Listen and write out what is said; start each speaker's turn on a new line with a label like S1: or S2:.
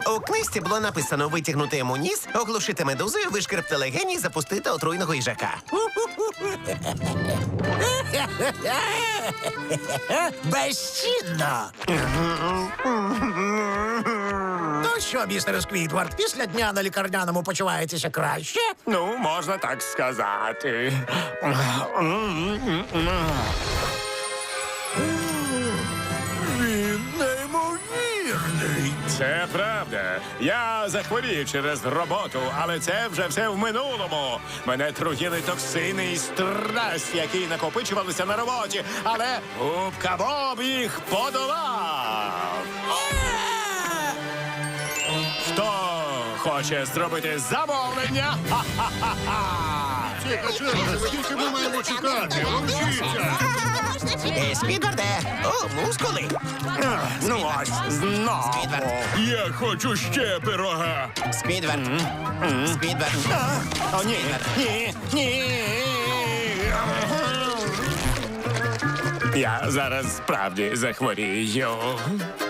S1: У книжці було написано витягнути йому ніс, оглушити медузою, вишкребти легені і запустити отруйного їжака.
S2: Безцінно! Ну що, містер Сквідвард, після дня на лікарняному почуваєтеся краще?
S3: Ну, можна так сказати.
S2: Він неймовірний.
S3: Це правда. Я захворів через роботу, але це вже все в минулому. Мене труїли токсини і стрес, які накопичувалися на роботі, але Губка Боб їх подолав. Хто хоче зробити замовлення?
S4: Скільки ми маємо чекати? Ручіться!
S1: Сквідварде! О, мускули!
S3: Ну ось, знову.
S4: Я хочу ще пирога!
S1: Сквідвард! Сквідвард!
S3: О, ні, ні, ні. Я зараз справді захворію.